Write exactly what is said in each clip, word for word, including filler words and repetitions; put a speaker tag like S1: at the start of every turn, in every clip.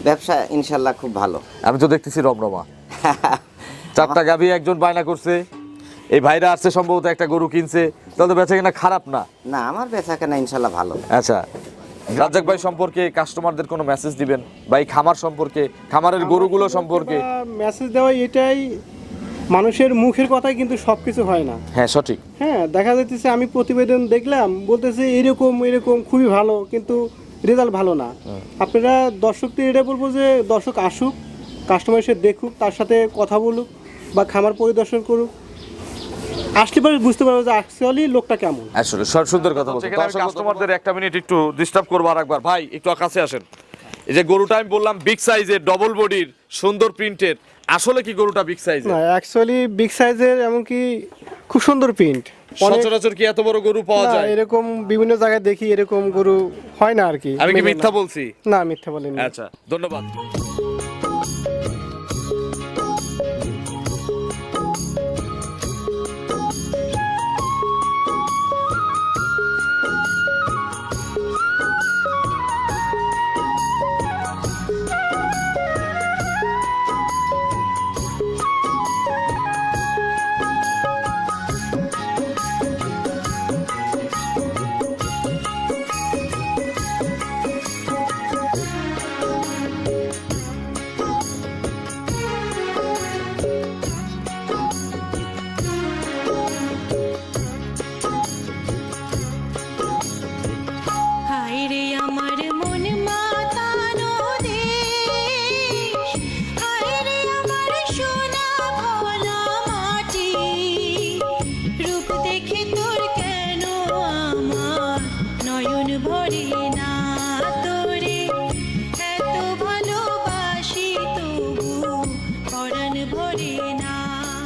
S1: ব্যবসা ইনশাল্লাহ খুব ভালো।
S2: আমি তো দেখতেছি রমরমা। চারটা গাভী একজন বায়না করছে, এই ভাইরা আসছে সম্ভবত একটা গরু কিনছে, তাহলে তো বেচা কিনা খারাপ না?
S1: না, আমার বেচা কেনা ইনশাল্লাহ ভালো।
S2: আচ্ছা, রাজ্জাক ভাই সম্পর্কে কাস্টমারদের কোনো মেসেজ দিবেন? ভাই খামার সম্পর্কে, খামারের গরুগুলো সম্পর্কে
S3: মেসেজ দেওয়া এটাই, মানুষের মুখের কথাই কিন্তু সব কিছু হয় না।
S2: হ্যাঁ সঠিক।
S3: হ্যাঁ, দেখা যাচ্ছে আমি প্রতিবেদন দেখলাম, বলতেছে এরকম এরকম খুবই ভালো, কিন্তু রেজাল্ট ভালো না। আপনারা দর্শকদের এটা বলবো যে দর্শক আসুক, কাস্টমার এসে দেখুক, তার সাথে কথা বলুক বা খামার পরিদর্শন করুক, আসলে পরে বুঝতে পারবো যে অ্যাকচুয়ালি লোকটা কেমন।
S2: আসলে সব সুন্দর কথা বলছেন। কাস্টমারদের একটা মিনিট একটু ডিস্টার্ব করবো আরেকবার। ভাই একটু কাছে আসেন। এই যে গরুটা আমি বললাম বিগ সাইজের, ডবল বডির, সুন্দর প্রিন্টের, আসলে কি গরুটা বিগ সাইজের?
S3: না, অ্যাকচুয়ালি বিগ সাইজের, এমনকি খুব সুন্দর প্রিন্ট।
S2: সচরাচর কি এত বড় গরু পাওয়া যায়?
S3: এরকম বিভিন্ন জায়গায় দেখি, এরকম গরু হয় না আর কি।
S2: আমি কি মিথ্যা বলছি?
S3: না, মিথ্যা বলিনি।
S2: আচ্ছা, ধন্যবাদ।
S4: হায়রে আমার মন মাতানো দেশ, হায়রে আমার সোনা ভোলা মাটি, রূপ দেখে তোর কেন আমার নয়ন ভরে না, তোরে এত ভালোবাসি তবু পরাণ ভরে না।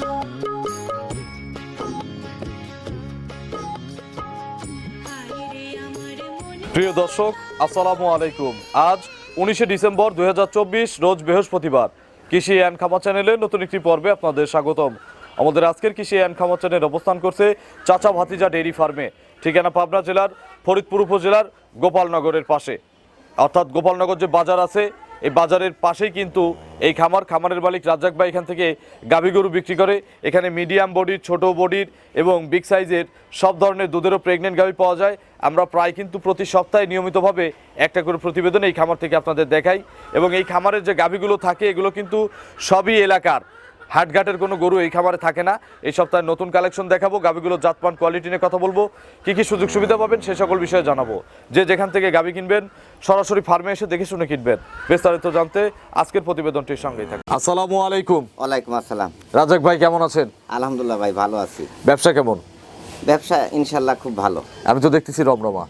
S4: হায়রে আমার মন
S2: প্রিয় দর্শক, আসসালামু আলাইকুম। আজ উনিশে ডিসেম্বর দুই হাজার চব্বিশ, রোজ বৃহস্পতিবার। কৃষি অ্যান্ড খামার চ্যানেলের নতুন একটি পর্বে আপনাদের স্বাগতম। আমাদের আজকের কৃষি অ্যান্ড খামার চ্যানেল অবস্থান করছে চাচা ভাতিজা ডেইরি ফার্মে, ঠিকানা পাবনা জেলার ফরিদপুর উপজেলার গোপালনগরের পাশে। অর্থাৎ গোপালনগর যে বাজার আছে, এই বাজারের পাশেই কিন্তু এই খামার। খামারের মালিক রাজ্জাক ভাই এখান থেকে গাভী গরু বিক্রি করে। এখানে মিডিয়াম বডির, ছোট বডির এবং বিগ সাইজের সব ধরনের দুধেরও প্রেগনেন্ট গাভী পাওয়া যায়। আমরা প্রায় কিন্তু প্রতি সপ্তাহে নিয়মিতভাবে একটা করে প্রতিবেদন এই খামার থেকে আপনাদের দেখাই। এবং এই খামারের যে গাভীগুলো থাকে, এগুলো কিন্তু সবই এলাকার, হাটঘাটের কোনো গরু এই খামারে থাকে না। এই সপ্তাহে নতুন কালেকশন দেখাবো, গাভীগুলোর জাতমান কোয়ালিটি নিয়ে কথা বলবো, কী কী সুযোগ সুবিধা পাবেন সে সকল বিষয়ে জানাবো। যে যেখান থেকে গাভী কিনবেন সরাসরি ফার্মে এসে দেখে শুনে কিনবেন। বিস্তারিত জানতে আজকের প্রতিবেদনটির সঙ্গেই থাকুন। আসসালামু আলাইকুম।
S1: ওয়ালাইকুম আসসালাম।
S2: রাজ্জাক ভাই কেমন আছেন?
S1: আলহামদুলিল্লাহ ভাই, ভালো আছি।
S2: ব্যবসা কেমন?
S1: ব্যবসা ইনশাল্লাহ খুব ভালো।
S2: আমি তো দেখতেছি রমরমা।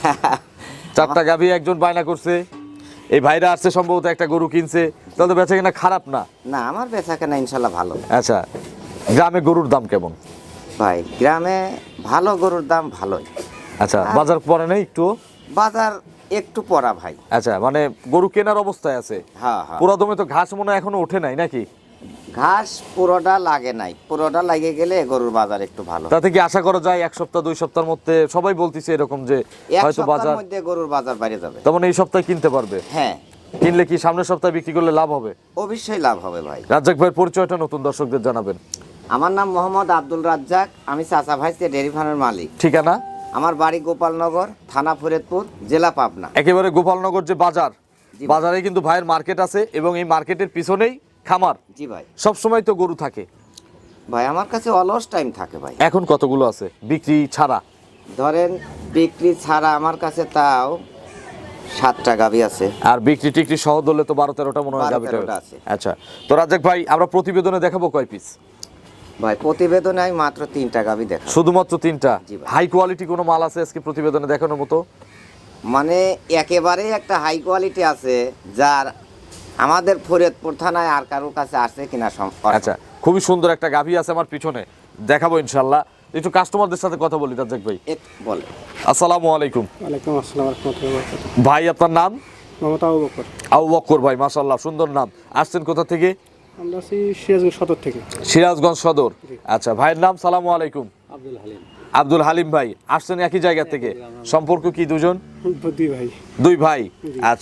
S2: চারটা গাভী একজন বায়না করছে, এই ভাইরা আসছে সম্ভবত একটা গরু কিনছে, তাহলে তো বেচা কিনা খারাপ না?
S1: না, আমার বেচা কেনা ইনশাল্লাহ ভালো।
S2: আচ্ছা, গ্রামে গরুর দাম কেমন?
S1: ভাই গ্রামে ভালো গরুর দাম ভালোই।
S2: আচ্ছা, বাজার পরে নেই একটু?
S1: বাজার একটু পড়া ভাই।
S2: আচ্ছা, মানে গরু কেনার অবস্থায় আছে।
S1: হ্যাঁ হ্যাঁ,
S2: পুরা দমে তো ঘাস মনে হয় এখনো ওঠে নাই নাকি?
S1: ঘাস পুরোটা লাগে নাই, পুরোটা লাগে গেলে গরুর বাজার একটু ভালো।
S2: তাতে কি আশা করা যায় এক সপ্তাহ দুই সপ্তাহের মধ্যে? সবাই বলতিছে এরকম যে
S1: এক
S2: হয়তো বাজার,
S1: সপ্তাহের মধ্যে গরুর বাজার বাইরে যাবে।
S2: তেমন এই সপ্তাহে কিনতে পারবে?
S1: হ্যাঁ,
S2: কিনলে কি সামনের সপ্তাহে বিক্রি করলে লাভ হবে?
S1: অবশ্যই লাভ হবে ভাই।
S2: রাজ্জাক ভাইয়ের পরিচয়টা নতুন দর্শকদের জানাবেন।
S1: আমার নাম মোহাম্মদ আব্দুল রাজ্জাক, আমি চাচা ভাইসে ডেয়ারি ফার্মের মালিক।
S2: ঠিকানা?
S1: আমার বাড়ি গোপালনগর, থানা ফরিদপুর, জেলা পাবনা।
S2: একেবারে গোপালনগর যে বাজার,
S1: জি ভাই।
S2: বাজারে কিন্তু ভাইয়ের মার্কেট আছে এবং এই মার্কেটের পিছনেই খামার।
S1: জি ভাই।
S2: সব সময় তো গরু থাকে
S1: ভাই আমার কাছে অলস টাইম থাকে ভাই।
S2: এখন কতগুলো আছে বিক্রি ছাড়া?
S1: ধরেন বিক্রি ছাড়া আমার কাছে তাও সাতটা গাভী আছে।
S2: আর বিক্রি টিক্রি সহ ধরলে তো বারো তেরোটা মনে হয়
S1: বারো
S2: গাভীটা
S1: তেরোটা আছে।
S2: আচ্ছা, তো রাজ্জাক ভাই আমরা প্রতিবেদনে দেখাবো কয় পিস?
S1: ভাই প্রতিবেদনে আমি মাত্র তিনটা গাভী দেখা।
S2: শুধুমাত্র তিনটা?
S1: জি ভাই।
S2: হাই কোয়ালিটি কোনো মাল আছে আজকে প্রতিবেদনে দেখানোর মতো?
S1: মানে একেবারে একটা হাই কোয়ালিটি আছে, যার আমাদের ফরিদপুর থানায় আর কারোর কাছে আসে কিনা সম-
S2: আচ্ছা, খুবই সুন্দর একটা গাভী আছে আমার পিছনে, দেখাবো ইনশাল্লাহ। একটু কাস্টমারদের সাথে কথা বলি রাজ্জাক ভাই।
S1: এক বলে।
S2: আসসালামু আলাইকুম।
S3: ওয়ালাইকুম আসসালাম রাহমাতুল্লাহি ওয়া বারাকাতুহু।
S2: ভাই আপনার নাম?
S3: মোহাম্মদ আবু বকর।
S2: আবু বক্কর ভাই, মাশাআল্লাহ সুন্দর নাম। আসছেন কোথা থেকে?
S3: আমরা আছি সিরাজগঞ্জ সদর থেকে।
S2: সিরাজগঞ্জ সদর। আচ্ছা, ভাইয়ের নাম? সালামু আলাইকুম।
S3: আব্দুল হালিম।
S2: আব্দুল হালিম ভাই, আসছেন একই জায়গা থেকে? সম্পর্ক কি দুজন?
S3: দুই ভাই।
S2: দুই ভাই। আচ্ছা,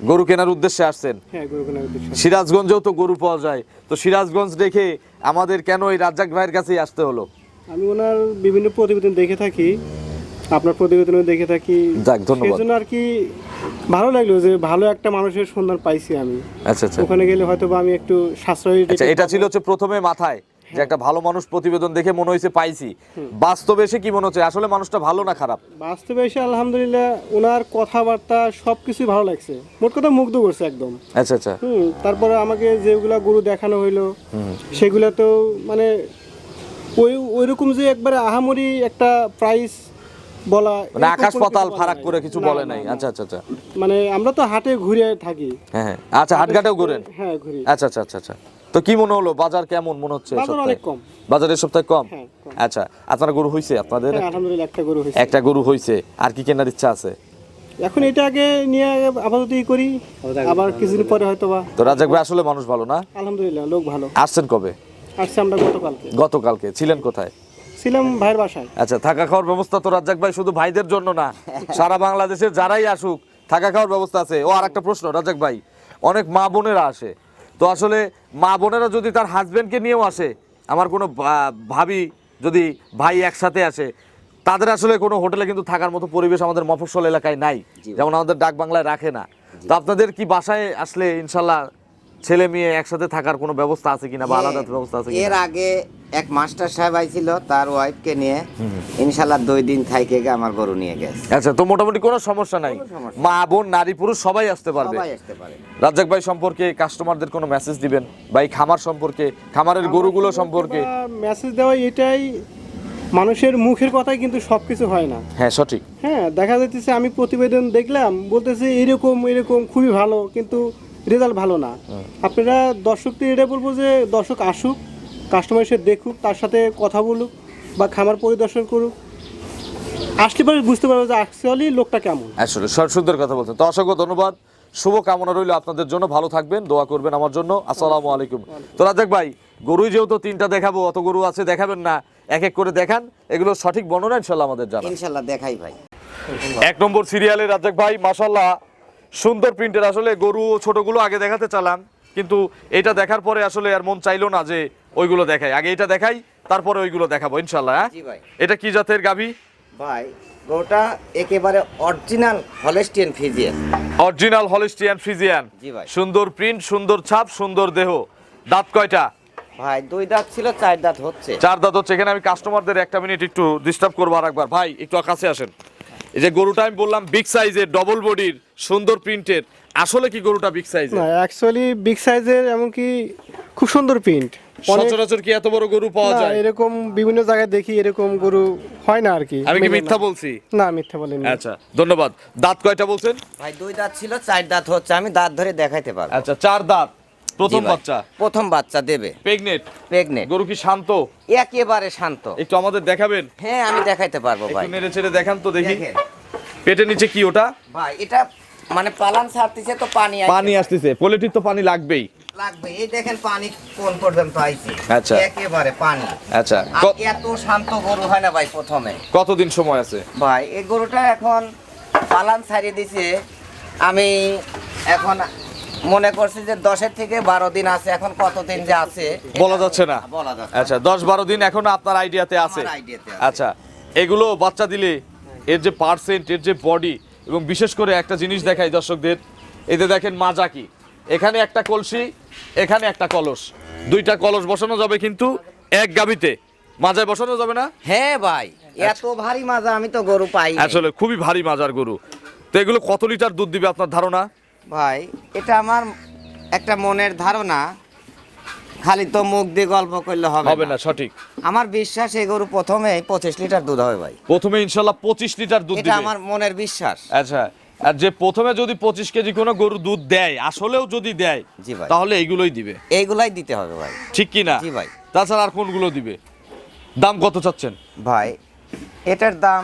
S2: গরু কেনার উদ্দেশ্যে আসছেন?
S3: হ্যাঁ, গরু কেনার উদ্দেশ্যে।
S2: সিরাজগঞ্জেও তো গরু পাওয়া যায়, তো সিরাজগঞ্জ রেখে আমাদের কেন এই রাজ্জাক ভাইয়ের কাছেই আসতে হলো?
S3: আমি ওনার বিভিন্ন প্রতিবেদন দেখে থাকি, আপনার প্রতিবেদনও দেখে থাকি,
S2: যাক, ধন্যবাদ।
S3: সেজন্য আর কি ভালো লাগলো যে ভালো একটা মানুষের সন্ধান পাইছি আমি।
S2: আচ্ছা আচ্ছা
S3: ওখানে গেলে হয়তো বা আমি একটু সাশ্রয়ী
S2: আচ্ছা,
S3: রেটে
S2: এটা
S3: পাবো।
S2: ছিল হচ্ছে প্রথমে মাথায় যে একটা ভালো মানুষ প্রতিবেদন দেখে মনে হয়েছে পাইছি, বাস্তবে এসে কি মনে হচ্ছে আসলে মানুষটা ভালো না খারাপ?
S3: বাস্তবে এসে আলহামদুলিল্লাহ ওনার কথাবার্তা সব কিছুই ভালো লাগছে, মোট কথা মুগ্ধ করছে একদম।
S2: আচ্ছা আচ্ছা
S3: হুম তারপরে আমাকে যেগুলা গরু দেখানো হইলো সেগুলা তো মানে ওই ওইরকম যে একবারে আহামরি একটা প্রাইস বলা,
S2: মানে
S3: এরকম
S2: আকাশ
S3: কোনো
S2: পাতাল
S3: কিছু বলা
S2: ফারাক
S3: নাই।
S2: করে কিছু
S3: না,
S2: বলে
S3: না,
S2: নাই।
S3: না।
S2: আচ্ছা আচ্ছা আচ্ছা
S3: মানে আমরা তো হাটে ঘুরে থাকি।
S2: হ্যাঁ হ্যাঁ আচ্ছা, হাটঘাটেও ঘুরেন?
S3: হ্যাঁ, ঘুরি।
S2: আচ্ছা আচ্ছা আচ্ছা আচ্ছা তো কি মনে হলো, বাজার কেমন মনে হচ্ছে? এই
S3: বাজার
S2: সপ্তাহে?
S3: অনেক কম।
S2: বাজার এই সপ্তাহে কম?
S3: হ্যাঁ, কম।
S2: আচ্ছা, আপনারা গরু হইছে আপনাদের?
S3: হ্যাঁ, আলহামদুলিল্লাহ একটা গরু হয়েছে।
S2: একটা গরু হইছে, আর কি কেনার ইচ্ছা আছে?
S3: এখন এটা আগে নিয়ে আপাতত ই করি, আবার কিছুদিন পরে হয়তো বা।
S2: তো রাজাক ভাই আসলে মানুষ ভালো না?
S3: আলহামদুলিল্লাহ লোক ভালো।
S2: আসছেন কবে?
S3: আসছে আমরা গতকালকে।
S2: গতকালকে ছিলেন কোথায়?
S3: ছিলাম ভাইয়ের বাসায়।
S2: আচ্ছা, থাকা খাওয়ার ব্যবস্থা তো রাজ্জাক ভাই শুধু ভাইদের জন্য না, সারা বাংলাদেশের যারাই আসুক থাকা খাওয়ার ব্যবস্থা আছে। ও আর একটা প্রশ্ন রাজ্জাক ভাই, অনেক মা বোনেরা আসে, তো আসলে মা বোনেরা যদি তার হাজবেন্ডকে নিয়েও আসে, আমার কোনো ভা- ভাবি যদি ভাই একসাথে আসে, তাদের আসলে কোনো হোটেলে কিন্তু থাকার মতো পরিবেশ আমাদের মফস্বল এলাকায় নাই, যেমন আমাদের ডাক বাংলায় রাখে না। তো আপনাদের কি বাসায় আসলে ইনশাল্লাহ ছেলে মেয়ে একসাথে থাকার কোনো ব্যবস্থা আছে কিনা, বা আলাদা ব্যবস্থা আছে
S1: এর
S2: কিনা?
S1: আগে এক মাস্টার সাহেব আইছিল, তার ওয়াইফকে নিয়ে ইনশাল্লাহ দুই দিন থাইকে গে আমার গরু নিয়ে গেছে।
S2: আচ্ছা, তো মোটামুটি কোনো সমস্যা নাই, মা বোন নারী পুরুষ সবাই আসতে পারবে।
S1: সবাই আসতে পারে।
S2: রাজ্জাক ভাই সম্পর্কে কাস্টমারদের কোনো মেসেজ দিবেন, ভাই খামার সম্পর্কে, খামারের গরুগুলো সম্পর্কে?
S3: মেসেজ দেওয়া এটাই, মানুষের মুখের কথাই কিন্তু সব কিছু হয় না।
S2: হ্যাঁ সঠিক।
S3: হ্যাঁ, দেখা যাইতেছে আমি প্রতিবেদন দেখলাম, বলতেছে এরকম এরকম খুবই ভালো, কিন্তু রেজাল্ট ভালো না। আপনারা দর্শকদের এটা বলবো যে দর্শক আসুক, কাস্টমার এসে দেখুক, তার সাথে কথা বলুক বা খামার পরিদর্শন করুক, আসলে পরে বুঝতে পারবো যে অ্যাকচুয়ালি লোকটা কেমন।
S2: আসলে সর- সুন্দর কথা বলছেন। তো অসংখ্য ধন্যবাদ, শুভ কামনা রইল আপনাদের জন্য, ভালো থাকবেন, দোয়া করবেন আমার জন্য। আসসালামু আলাইকুম। তো রাজ্জাক ভাই, গরুই যেহেতু তিনটা দেখাবো, অত গরু আছে দেখাবেন না, এক এক করে দেখান, এগুলো সঠিক বর্ণনা ইনশাল্লাহ আমাদের জানা।
S1: ইনশাল্লাহ দেখাই ভাই।
S2: এক নম্বর সিরিয়ালে রাজ্জাক ভাই মাশাল্লাহ সুন্দর প্রিন্টের, আসলে গরু ছোটগুলো আগে দেখাতে চালাম, কিন্তু এটা দেখার পরে আসলে আর মন চাইলো না যে ওইগুলো দেখাই, আগে এটা দেখাই তারপরে ওইগুলো দেখাবো ইনশাল্লাহ। হ্যাঁ,
S1: জি ভাই।
S2: এটা কি জাতের গাভী?
S1: ভাই গরুটা একেবারে original Holstein Friesian.
S2: Original Holstein Friesian.
S1: জি ভাই।
S2: সুন্দর প্রিন্ট, সুন্দর ছাপ, সুন্দর দেহ। দাঁত কয়টা?
S1: ভাই দুই দাঁত ছিল, চার দাঁত হচ্ছে।
S2: চার দাঁত হচ্ছে। এখানে আমি কাস্টমারদের একটা মিনিট একটু ডিস্টার্ব করবো আর একবার। ভাই একটু কাছে আসেন। এই যে গরুটা আমি বললাম বিগ সাইজের, ডবল বডির, সুন্দর প্রিন্টের, আসলে কি গরুটা বিগ সাইজের?
S3: না, অ্যাকচুয়ালি বিগ সাইজের, এমনকি খুব সুন্দর প্রিন্ট।
S2: সচরাচর কি এত বড় গরু পাওয়া যায়?
S3: এরকম বিভিন্ন জায়গায় দেখি, এরকম গরু হয় না আর কি।
S2: আমি কি
S3: মেলে
S2: মিথ্যা
S3: না।
S2: বলছি?
S3: না, মিথ্যা বলেনি।
S2: আচ্ছা ধন্যবাদ। দাঁত কয়টা বলছেন?
S1: ভাই দুই দাঁত ছিল, চার দাঁত হচ্ছে, আমি দাঁত ধরে দেখাইতে পারবো।
S2: আচ্ছা, চার দাঁত, প্রথম
S1: জি ভাই।
S2: বাচ্চা,
S1: প্রথম বাচ্চা দেবে,
S2: প্রেগনেন্ট।
S1: প্রেগনেন্ট।
S2: গরু কি শান্ত?
S1: একেবারে শান্ত।
S2: একটু আমাদের দেখাবেন?
S1: হ্যাঁ, আমি দেখাইতে পারবো ভাই।
S2: একটু নেড়ে চেড়ে দেখান তো দেখি।
S1: দেখেন
S2: পেটের নিচে কি ওটা?
S1: ভাই, এটা মানে পালান ছাড়তেছে তো পানি আইছে।
S2: পানি আসতেছে, পোলেটির তো পানি লাগবেই।
S1: লাগবে, এই দেখেন পানি কোন পর্যন্ত আইছে।
S2: আচ্ছা।
S1: একেবারে পানি।
S2: আচ্ছা,
S1: আর
S2: ক-
S1: এত শান্ত গরু হয় না ভাই প্রথমে।
S2: কতদিন সময় আছে?
S1: ভাই এই গরুটা এখন পালান ছাড়িয়ে দিছে, আমি এখন মনে করছি যে দশের থেকে বারো দিন আছে, এখন কতদিন যে আছে
S2: বলা যাচ্ছে না।
S1: বলা যাচ্ছে
S2: আচ্ছা, দশ বারো দিন এখন আপনার আইডিয়াতে আছে।
S1: আমার আইডিয়াতে আছে।
S2: আচ্ছা, এগুলো বাচ্চা দিলে এর যে পার্সেন্ট, এর যে বডি, এবং বিশেষ করে একটা জিনিস দেখাই দর্শকদের, এতে দেখেন মাজা কি, এখানে একটা কলসি, এখানে একটা কলস, দুইটা কলস বসানো যাবে, কিন্তু এক গাবিতে মাজায় বসানো যাবে না।
S1: হ্যাঁ ভাই, এত ভারী মাজা আমি তো গরু পাই নাই।
S2: আসলে খুবই ভারী মাজার গরু। তো এগুলো কত লিটার দুধ দিবে আপনার ধারণা?
S1: ভাই এটা আমার একটা মনের ধারণা, খালি তো মুখ দিয়ে গল্প করলে হবে
S2: হবে
S1: না।
S2: না, সঠিক।
S1: আমার বিশ্বাস এই গরু প্রথমে পঁচিশ লিটার দুধ হবে ভাই।
S2: প্রথমে ইনশাল্লাহ পঁচিশ লিটার দুধ
S1: এটা
S2: দিবে।
S1: আমার মনের বিশ্বাস।
S2: আচ্ছা, আর যে প্রথমে যদি পঁচিশ কেজি কোনো গরু দুধ দেয়, আসলেও যদি দেয়,
S1: জি ভাই।
S2: তাহলে এইগুলোই দিবে,
S1: এইগুলাই দিতে হবে ভাই।
S2: ঠিক কি না?
S1: জি ভাই।
S2: তাছাড়া আর কোনগুলো দিবে? দাম কত চাচ্ছেন?
S1: ভাই এটার দাম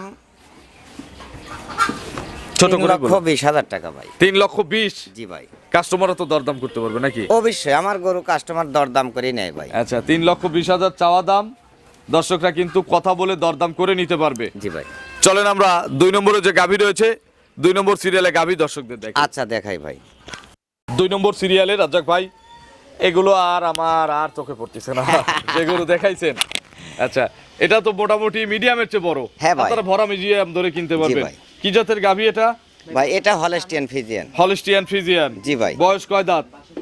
S2: ছোট
S1: তিন
S2: করে
S1: লক্ষ
S2: বলুন।
S1: বিশ হাজার টাকা ভাই।
S2: তিন লক্ষ বিশ।
S1: জি ভাই।
S2: কাস্টমারও তো দরদাম করতে পারবে নাকি?
S1: অবশ্যই আমার গরু কাস্টমার দরদাম করে নেয় ভাই।
S2: আচ্ছা, তিন লক্ষ বিশ হাজার চাওয়া দাম, দর্শকরা কিন্তু কথা বলে দরদাম করে নিতে পারবে।
S1: জি ভাই।
S2: চলেন আমরা দুই নম্বরে যে গাভী রয়েছে দুই নম্বর সিরিয়ালে গাভী দর্শকদের দেখেন।
S1: আচ্ছা দেখাই ভাই।
S2: দুই নম্বর সিরিয়ালে রাজ্জাক ভাই, এগুলো আর আমার আর চোখে পড়তেছে না, যেগুলো দেখাইছেন। আচ্ছা, এটা তো মোটামুটি মিডিয়ামের চেয়ে বড়।
S1: হ্যাঁ ভাই।
S2: আপনারা ভরা মিডিয়াম ধরে কিনতে পারবেন।
S1: ভাই।
S2: কি জাতের গাভী এটা?
S1: ভাই এটা হলস্টিয়ান ফ্রিজিয়ান।
S2: Holstein Friesian.
S1: জি ভাই।
S2: বয়স কয় দাঁত?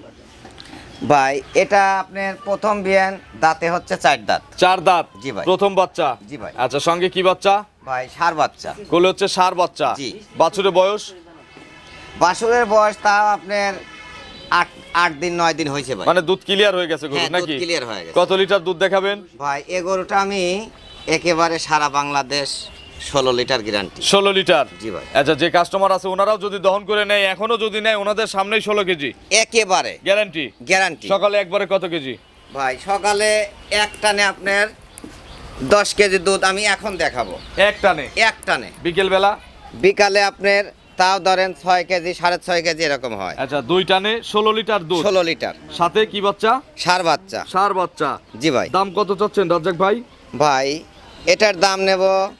S1: ভাই এটা আপনার প্রথম বিয়ান, দাঁতে হচ্ছে চার দাঁত।
S2: চার দাঁত।
S1: জি ভাই।
S2: প্রথম বাচ্চা।
S1: জি ভাই।
S2: আচ্ছা, সঙ্গে কি বাচ্চা?
S1: ভাই ষাঁড় বাচ্চা।
S2: কোলে হচ্ছে ষাঁড় বাচ্চা।
S1: জি।
S2: বাছুরের বয়স?
S1: বাছুরের বয়স তা আপনার আট আট দিন নয় দিন হয়েছে ভাই।
S2: মানে দুধ ক্লিয়ার হয়ে গেছে গরু
S1: হ্যাঁ, দুধ
S2: নাকি?
S1: clear হয়ে গেছে।
S2: কত লিটার দুধ দেখাবেন?
S1: ভাই এ গরুটা আমি একেবারে সারা বাংলাদেশ ষোলো লিটার গ্যারান্টি।
S2: ষোলো লিটার।
S1: জি ভাই।
S2: আচ্ছা, যে কাস্টমার আছে ওনারাও যদি দহন করে নেয়, এখনো যদি নেয়, ওনাদের সামনেই ষোলো কেজি
S1: একেবারে
S2: গ্যারান্টি।
S1: গ্যারান্টি।
S2: সকালে একবারে কত কেজি?
S1: ভাই সকালে এক টানে আপনার দশ কেজি দুধ আমি এখন দেখাবো।
S2: এক টানে?
S1: এক টানে।
S2: বিকেল বেলা?
S1: বিকালে আপনার তাও ধরেন ছয় কেজি সাড়ে ছয় কেজি এরকম হয়।
S2: আচ্ছা, দুই টানে ষোলো লিটার দুধ।
S1: ষোলো লিটার।
S2: সাথে কি বাচ্চা?
S1: ষাঁড় বাচ্চা।
S2: ষাঁড় বাচ্চা।
S1: জি ভাই।
S2: দাম কত চাচ্ছেন রাজ্জাক ভাই?
S1: ভাই এটার দাম নেব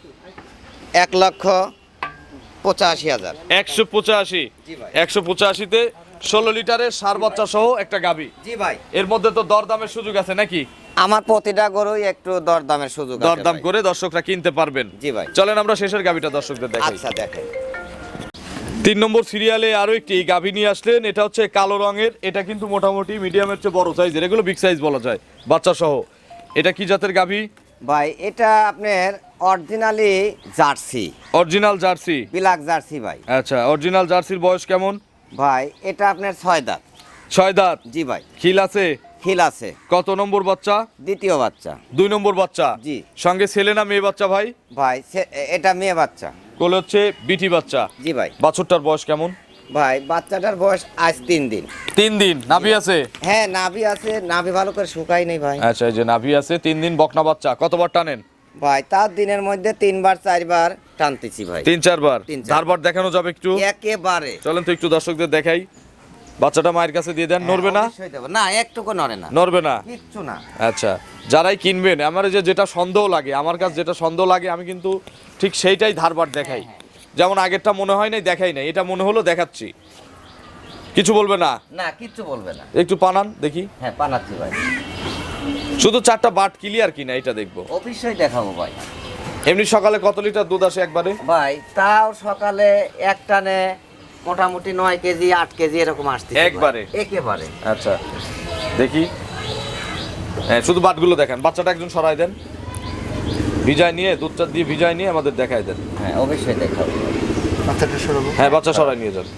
S1: এক লক্ষ পঁচাশি হাজার।
S2: একশো পঁচাশি।
S1: জি ভাই।
S2: একশো পঁচাশিতে ষোলো লিটারের ষাঁড় বাচ্চা সহ একটা গাভী।
S1: জি ভাই।
S2: এর মধ্যে তো দরদামের সুযোগ আছে নাকি?
S1: আমার প্রতিটা গরুই একটু দরদামের সুযোগ আছে
S2: দরদাম
S1: ভাই।
S2: করে দর্শকরা কিনতে পারবেন।
S1: জি ভাই।
S2: চলেন আমরা শেষের গাভীটা দর্শকদের দেখাই।
S1: আচ্ছা দেখেন।
S2: তিন নম্বর সিরিয়ালে আরো একটি গাভী নিয়ে আসলেন। এটা হচ্ছে কালো রঙের। এটা কিন্তু মোটামুটি মিডিয়ামের চেয়ে বড় সাইজের, এগুলো বিগ সাইজ বলা যায়, বাচ্চা সহ। এটা কি জাতের গাভী?
S1: ভাই এটা আপনার originally Jersey.
S2: Original Jersey.
S1: Black Jersey ভাই।
S2: আচ্ছা, অরিজিনাল জার্সির বয়স কেমন?
S1: ভাই এটা আপনার ছয় দাঁত।
S2: ছয় দাঁত।
S1: জি ভাই।
S2: খিল আছে?
S1: হিল আছে।
S2: কত নম্বর বাচ্চা?
S1: দ্বিতীয় বাচ্চা।
S2: দুই নম্বর বাচ্চা।
S1: জি।
S2: সঙ্গে ছেলে না মেয়ে বাচ্চা ভাই?
S1: ভাই সে- এটা মেয়ে বাচ্চা।
S2: কোলে হচ্ছে বিটি বাচ্চা।
S1: জি ভাই।
S2: বাছুরটার বয়স কেমন?
S1: ভাই বাচ্চাটার বয়স আজ তিন দিন।
S2: তিন দিন। নাভি আছে?
S1: হ্যাঁ নাভি আছে, নাভি ভালো করে শুকাই নেই ভাই।
S2: আচ্ছা, এই যে নাভি আছে, তিন দিন বকনা বাচ্চা। কতবার টানেন?
S1: ভাই তার দিনের মধ্যে তিনবার চারবার টানতেছি ভাই।
S2: তিন চারবার।
S1: তিন চারবার।
S2: ধারবার দেখানো যাবে একটু?
S1: একেবারে।
S2: চলেন তো একটু দর্শকদের দেখাই। বাচ্চাটা মায়ের কাছে দিয়ে দেন। নড়বে না?
S1: অবশ্যই দেবো। না একটুকু নড়ে না।
S2: নড়বে না?
S1: কিচ্ছু না।
S2: আচ্ছা, যারাই কিনবেন, আমার এই যে যেটা সন্দেহ লাগে, আমার কাছে যেটা সন্দেহ লাগে আমি কিন্তু ঠিক সেইটাই ধারবার দেখাই। যেমন আগেরটা মনে হয় নাই, দেখাই নাই, এটা মনে হলো দেখাচ্ছি। কিছু বলবে না?
S1: না কিচ্ছু বলবে না।
S2: একটু পানান দেখি।
S1: হ্যাঁ পানাচ্ছি ভাই।
S2: শুধু চারটা বাট ক্লিয়ার কিনা এটা দেখবো।
S1: অবশ্যই দেখাবো ভাই।
S2: এমনি সকালে কত লিটার দুধ আসে একবারে?
S1: ভাই তাও সকালে এক টানে মোটামুটি নয় কেজি আট কেজি এরকম আসছে
S2: একবারে?
S1: একেবারে।
S2: আচ্ছা, দেখি। হ্যাঁ, শুধু বাটগুলো দেখেন। বাচ্চাটা একজন সরাই দেন, ভিজায় নিয়ে, দুধটা দিয়ে ভিজায় নিয়ে আমাদের দেখাই দেন।
S1: হ্যাঁ অবশ্যই দেখাবো।
S3: বাচ্চাটা সরাবো।
S2: হ্যাঁ, বাচ্চা সরাই নিয়ে যান।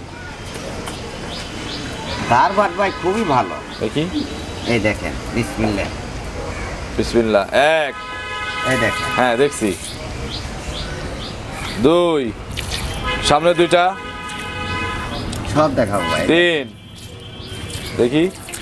S1: তার বাট ভাই খুবই ভালো।
S2: দেখি।
S1: এই দেখেন বিসমিল্লাহ।
S2: বিসমিল্লাহ। এক।
S1: এই দেখেন।
S2: হ্যাঁ দেখছি। দুই। সামনে দুইটা।
S1: সব দেখাবো ভাই।
S2: তিন। দেখি।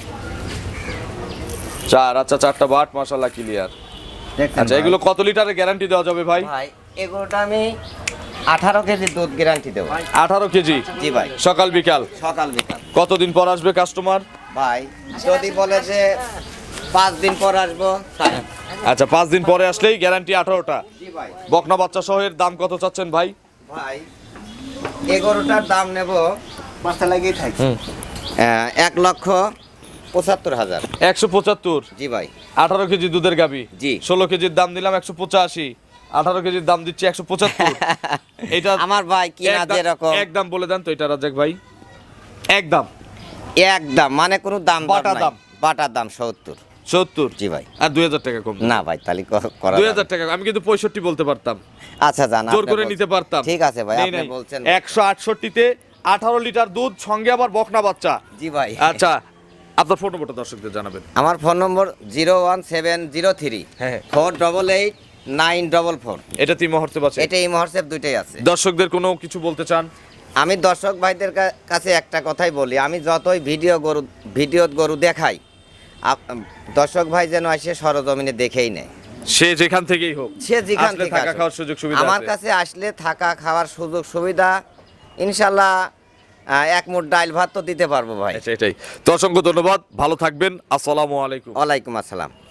S2: চার। আচ্ছা, চারটা বাট মাশাআল্লাহ ক্লিয়ার।
S1: দেখছেন
S2: আচ্ছা,
S1: ভাই?
S2: এগুলো কত লিটারের গ্যারান্টি দেওয়া যাবে ভাই?
S1: ভাই এগুলোটা আমি আঠারো কেজি দুধ গ্যারান্টি দেবো।
S2: আঠারো কেজি।
S1: জি ভাই।
S2: সকাল বিকাল?
S1: সকাল বিকাল।
S2: কতদিন পর আসবে কাস্টমার?
S1: ভাই যদি বলে যে পাঁচ দিন পর আসবো তাই।
S2: আচ্ছা, পাঁচ দিন পরে আসলেই গ্যারান্টি আঠারোটা।
S1: জি ভাই।
S2: বকনা বাচ্চা সহ এর দাম কত চাচ্ছেন ভাই?
S1: ভাই এগারোটার দাম নেব মাথা লাগিয়ে থাকি এক লক্ষ পঁচাত্তর হাজার।
S2: একশো পঁচাত্তর।
S1: জি ভাই।
S2: আঠারো কেজি দুধের গাবি।
S1: জি।
S2: ষোলো কেজির দাম দিলাম একশো পঁচাশি, আঠারো কেজির দাম দিচ্ছি একশো পঁচাত্তর। এটা
S1: আমার ভাই কিনা
S2: একদম-
S1: যেরকম
S2: একদম বলে দেন তো এটা রাজ্জাক ভাই। একদম
S1: একদম মানে কোনো দাম দর
S2: বাটা
S1: নাই।
S2: দাম।
S1: বাটার দাম সত্তর।
S2: সত্তর।
S1: জি ভাই।
S2: আর দুই হাজার টাকা কম।
S1: না ভাই তাহলে ক- করা
S2: দুই
S1: যাবে
S2: হাজার টাকা আমি কিন্তু পঁয়ষট্টি বলতে পারতাম,
S1: না। আচ্ছা জান
S2: জোর করে নিতে পারতাম।
S1: ঠিক আছে ভাই
S2: নেই,
S1: আপনি
S2: নেই।
S1: বলছেন।
S2: একশো আটষট্টিতে আঠারো লিটার দুধ, সঙ্গে আবার বকনা বাচ্চা।
S1: জি ভাই।
S2: আচ্ছা, আপনার ফোন নম্বরটা দর্শকদের জানাবেন।
S1: আমার phone number zero one seven zero three
S2: হ্যাঁ।
S1: Four double eight nine double four.
S2: এটা তিন মুহূর্তে পাচ্ছে।
S1: এটা এই মহর্ষেপ দুইটাই আছে।
S2: দর্শকদের কোনো কিছু বলতে চান?
S1: আমি দর্শক ভাইদের কা- কাছে একটা কথাই বলি, আমি যতই ভিডিও গরু ভিডিও গরু দেখাই আপ- দর্শক ভাই যেন এসে সরজমিনে দেখেই নেয়।
S2: সে যেখান থেকেই হোক,
S1: সে যেখান
S2: আসলে
S1: থেকে
S2: থাকা
S1: আসুক।
S2: খাওয়ার সুযোগ সুবিধা
S1: আমার
S2: আছে।
S1: কাছে আসলে থাকা খাওয়ার সুযোগ সুবিধা ইনশাল্লাহ আহ, এক মুঠ ডাইল ভাত তো দিতে পারবো ভাই।
S2: আচ্ছা, এটাই তো। অসংখ্য ধন্যবাদ, ভালো থাকবেন। আসসালামু আলাইকুম।
S1: ওয়ালাইকুম আসসালাম।